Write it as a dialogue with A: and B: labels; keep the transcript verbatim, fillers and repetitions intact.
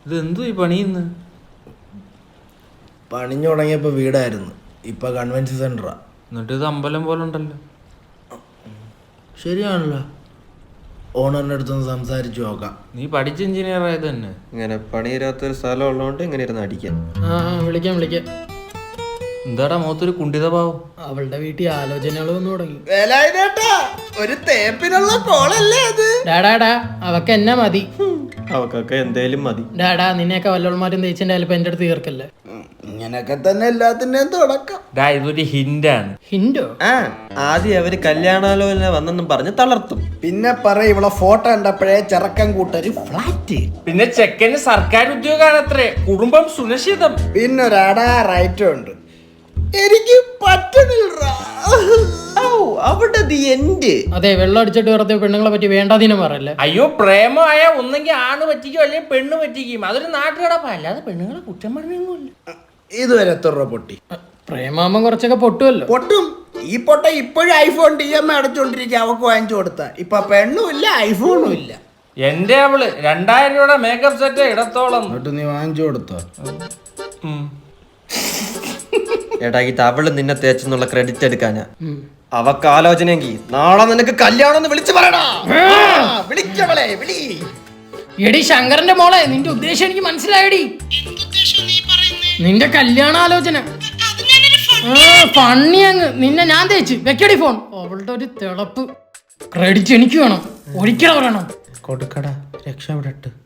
A: ഇത് എന്തു ഈ പണിയുന്നു?
B: പണിഞ്ഞു തുടങ്ങിയപ്പോ വീടായിരുന്നു, ഇപ്പൊ കൺവെൻഷൻ സെന്ററാ.
A: എന്നിട്ട് ഇത് അമ്പലം പോലെ ഉണ്ടല്ലോ.
B: ശരിയാണല്ലോ, ഓണറിന്റെ അടുത്തൊന്ന് സംസാരിച്ചു നോക്കാം.
A: നീ പഠിച്ച എഞ്ചിനീയർ ആയത് തന്നെ.
C: ഇങ്ങനെ പണിയിരാത്തൊരു സ്ഥലം ഉള്ളതുകൊണ്ട് ഇങ്ങനെ ഇരുന്ന് അടിക്കാം.
D: ആ വിളിക്കാം വിളിക്കാം.
A: എന്താടാ മുഖത്തൊരു കുണ്ടിത ഭാവം?
D: അവളുടെ വീട്ടിൽ ആലോചനകൾ വന്നു തുടങ്ങി.
B: ഒരു തേപ്പിനുള്ള കോളല്ലേ അത്?
D: ഡാഡാടാ അവക്ക് എന്നെ മതി.
C: അവക്കൊക്കെ എന്തേലും മതി.
D: ഡാഡാ നിന്നെയൊക്കെ വല്ലവന്മാരും തേച്ചിന്റെ ചിലപ്പോ എന്റെ അടുത്ത് തീർക്കല്ലേ.
B: ഇങ്ങനൊക്കെ തന്നെ എല്ലാത്തിന്റെയും തുടക്കം.
A: ഡാ ഇതൊരു ഹിന്റാണ്.
D: ഹിന്റോ?
C: ആ ആദ്യം അവര് കല്യാണാലോചന വന്നെന്നും പറഞ്ഞ് തളർത്തും.
B: പിന്നെ പറ ഇവളെ ഫോട്ടോ കണ്ടപ്പോഴേ ചെറുക്കൻ കൂട്ടര് ഫ്ലാറ്റ്.
A: പിന്നെ ചെക്കന് സർക്കാർ ഉദ്യോഗാണത്രേ, കുടുംബം സുരക്ഷിതം.
B: പിന്നെ ഒരു അടാ റൈറ്റും ഉണ്ട്. എനിക്ക് പറ്റുന്നില്ല.
C: അവിടെ എന്റെ
D: അതെ, വെള്ളം അടിച്ചിട്ട് വെറുതെ പെണ്ണുങ്ങളെ പറ്റി വേണ്ടാതിനും പറയല്ലേ.
A: അയ്യോ, പ്രേമമായ ഒന്നെങ്കിൽ ആണ് പറ്റിക്കും അല്ലെങ്കിൽ പെണ്ണ് പറ്റിക്കും. അതൊരു നാട്ടുകടപ്പ, അല്ലാതെ പെണ്ണുങ്ങളെ കുറ്റം പറഞ്ഞൊന്നുമില്ല.
B: ഇതുവരെ എത്ര രൂപ പൊട്ടി?
D: പ്രേമാകുമ്പം കുറച്ചൊക്കെ പൊട്ടുമല്ലോ.
B: പൊട്ടും. ഈ പൊട്ട ഇപ്പോഴും ഐഫോൺ ഡി എം അടച്ചോണ്ടിരിക്കുക. അവക്ക് വാങ്ങിച്ചു കൊടുത്ത ഇപ്പൊ പെണ്ണും ഇല്ല ഐഫോണും ഇല്ല.
A: എന്റെ അവള് രണ്ടായിരം രൂപയുടെ മേക്കപ്പ് സെറ്റ് ഇടത്തോളം.
B: എന്നിട്ട് നീ വാങ്ങിച്ചു കൊടുത്തോ?
C: എടാ ഇത് അവള് നിന്നെ തേച്ചെന്നുള്ള ക്രെഡിറ്റ് എടുക്കാനാ. അവക്ക് ആലോചനയെങ്കിൽ നാളെ നിനക്ക് കല്യാണം വിളിച്ചു പറയടാ. വിളിക്കവളെ വിളി.
D: എടി ശങ്കരന്റെ മോളെ, നിന്റെ ഉദ്ദേശം എനിക്ക് മനസ്സിലായടി. നിന്റെ കല്യാണാലോചന ഫണ്ണി അങ്ങ്. നിന്നെ ഞാൻ തേച്ച് വെക്കടി ഫോൺ. അവളുടെ ഒരു തിളപ്പ്. ക്രെഡിറ്റ് എനിക്ക് വേണം, ഒരിക്കലും പറയണം.
B: കൊടുക്കടാ, രക്ഷപ്പെടട്ട്.